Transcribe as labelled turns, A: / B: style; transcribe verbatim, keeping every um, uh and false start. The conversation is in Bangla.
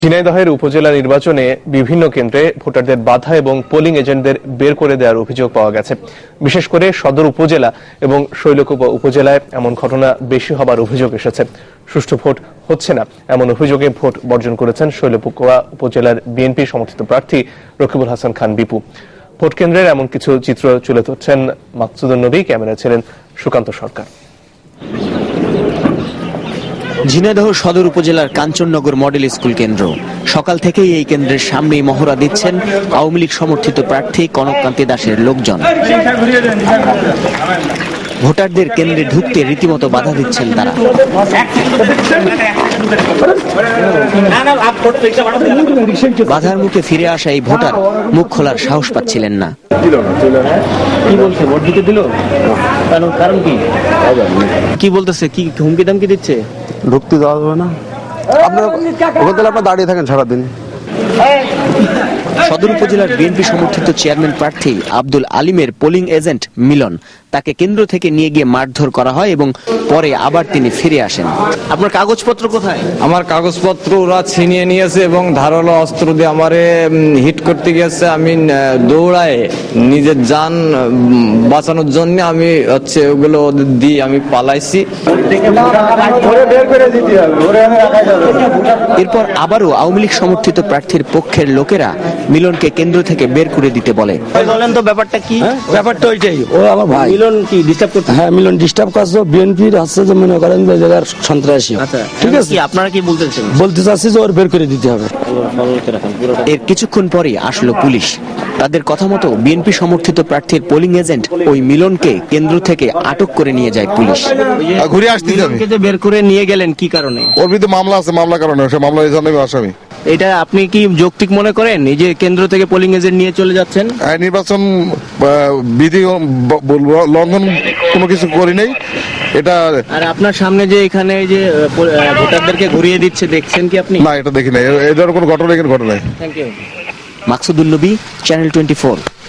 A: ঝিনাইদহের উপজেলা নির্বাচনে বিভিন্ন কেন্দ্রে ভোটারদের বাধা এবং পোলিং এজেন্টদের বের করে দেওয়ার অভিযোগ পাওয়া গেছে। বিশেষ করে সদর উপজেলা এবং শৈলকুপা উপজেলায় এমন ঘটনা বেশি হবার অভিযোগ এসেছে। সুষ্ঠু ভোট হচ্ছে না এমন অভিযোগে ভোট বর্জন করেছেন শৈলকুপা উপজেলার বিএনপি সমর্থিত প্রার্থী রকিবুল হাসান খান বিপু। ভোট কেন্দ্রের এমন কিছু চিত্র তুলে ধরছেন মাকসুদুন নবী, ক্যামেরায় ছিলেন সুকান্ত সরকার।
B: ঝিনাইদহ সদর উপজেলার কাঞ্চননগর মডেল স্কুল কেন্দ্র। সকাল থেকেই এই কেন্দ্রের সামনেই মহড়া দিচ্ছেন আওয়ামী লীগ সমর্থিত প্রার্থী কনককান্তি দাসের লোকজন। ভোটারদের কেন্দ্রে ঢুকতে রীতিমতো বাধা দিচ্ছেন তারা। বাধার মুখে ফিরে আসা এই ভোটার মুখ খোলার সাহস পাচ্ছিলেন না। কি বলছে, ভোট দিতে দিল? কারণ কি কি বলতেছে? কি হুমকি দামকি দিচ্ছে?
C: ঢুকতে দেওয়া যাবে না, আপনার ওখান থেকে আপনার দাঁড়িয়ে থাকেন সারাদিন।
B: সদর উপজেলার বিএনপি সমর্থিত চেয়ারম্যান প্রার্থী আব্দুল আলিমের পোলিং এজেন্ট মিলন, তাকে কেন্দ্র থেকে নিয়ে গিয়ে মারধর করা হয় এবং পরে আবার তিনি ফিরে আসেন। আপনার কাগজপত্র কোথায়?
D: আমার কাগজপত্র ওরা ছিনিয়ে নিয়েছে এবং ধারালো অস্ত্র দিয়ে আমারে হিট করতে গেছে। আমি দৌড়ায় নিজের জান বাঁচানোর জন্য আমি হচ্ছে ওগুলো দিয়ে আমি পালাইছি।
B: এরপর আবারও আওয়ামী লীগ সমর্থিত প্রার্থীর পক্ষের লোকেরা মিলনকে কেন্দ্র থেকে বের করে দিতে বলে। বলেন তো ব্যাপারটা কি?
C: ব্যাপারটা ওইটাই, ও আমার ভাই।
B: মিলন কি ডিস্টার্ব করছে?
C: হ্যাঁ, মিলন ডিস্টার্ব করছে। বিএনপির হচ্ছে যে মনে করেন যে জায়গার সন্ত্রাসী।
B: আচ্ছা,
C: ঠিক আছে,
B: আপনারা কি বলতেছেন?
C: বলতে চাচ্ছি যে ওর বের করে দিতে হবে।
B: এর কিছুক্ষণ পরে আসলো পুলিশ। তাদের কথা মতো বিএনপি সমর্থিত প্রার্থীর পোলিং এজেন্ট ওই মিলনকে কেন্দ্র থেকে আটক করে নিয়ে যায় পুলিশ।
E: ঘুরে আসতে যাবে,
B: বের করে নিয়ে গেলেন কি কারণে?
E: ওর বিরুদ্ধে মামলা আছে, মামলা কারণে সে মামলা এই জন্য আসামি।
B: এটা আপনি কি যৌক্তিক মনে করেন, এই যে কেন্দ্র থেকে পোলিং এজেন্ট নিয়ে চলে যাচ্ছেন?
E: নির্বাচন বিধি লঙ্ঘন কোনো কিছু করি নাই এটা।
B: আর আপনার সামনে যে এখানে যে ভোটারদেরকে ঘুরিয়ে দিচ্ছে, দেখছেন কি আপনি?
E: না, এটা দেখি নাই, এদের কোনো ঘটনা এখানে ঘটে নাই।
B: Thank you. মাকসুদুন নবী, চ্যানেল টোয়েন্টি ফোর।